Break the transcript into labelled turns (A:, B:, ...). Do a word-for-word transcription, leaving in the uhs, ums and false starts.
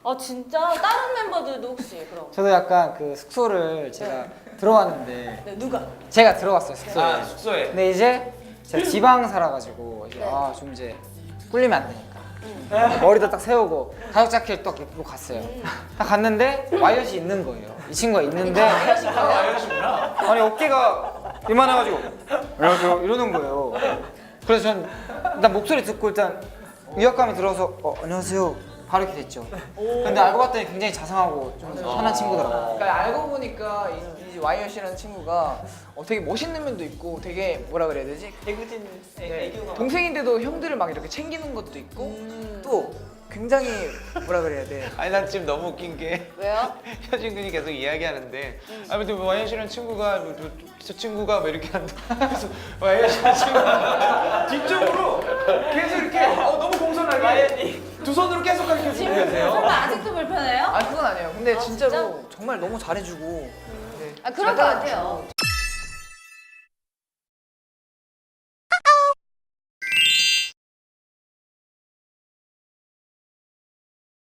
A: 아 진짜? 다른 멤버들도 혹시 그럼?
B: 저도 약간 그 숙소를 제가 들어왔는데
A: 네, 누가?
B: 제가 들어갔어요 숙소에.
C: 아 숙소에.
B: 근데 이제 제가 지방 살아가지고 이제
A: 네.
B: 아 좀 이제 꿀리면 안 되니까 머리도 딱 세우고 가죽 자켓 딱 입고 갔어요. 딱 갔는데 와이엇이 있는 거예요. 이 친구가 있는데
C: 아 이러시구나.
B: 아니 어깨가 이만해가지고 안녕하세요 이러는 거예요. 그래서 전 일단 목소리 듣고 일단 위압감이 들어서 어, 안녕하세요 바로 이렇게 됐죠. 근데 알고 봤더니 굉장히 자상하고 좀 편한 친구더라고요.
D: 그러니까 알고 보니까 이, 이 와이엇이라는 친구가 어, 되게 멋있는 면도 있고 되게 뭐라 그래야 되지?
A: 개구진
D: 네, 동생인데도 형들을 막 이렇게 챙기는 것도 있고 또 굉장히 뭐라 그래야 돼?
C: 아니 난 지금 너무 웃긴 게
A: 왜요?
C: 효진 군이 계속 이야기하는데 아무튼 와이언 씨라는 친구가 뭐, 저, 저 친구가 뭐 이렇게 한다. 그래서 와이언 씨라는 친구가 뒤쪽으로 계속 이렇게 어, 너무 공손하게 두 손으로 계속 가르쳐 주고 계세요.
A: 설마 아직도 불편해요?
D: 아 그건 아니에요. 근데
A: 아,
D: 진짜로
A: 진짜?
D: 정말 너무 잘해주고 네,
A: 아 그럴 것
D: 잘
A: 같아요.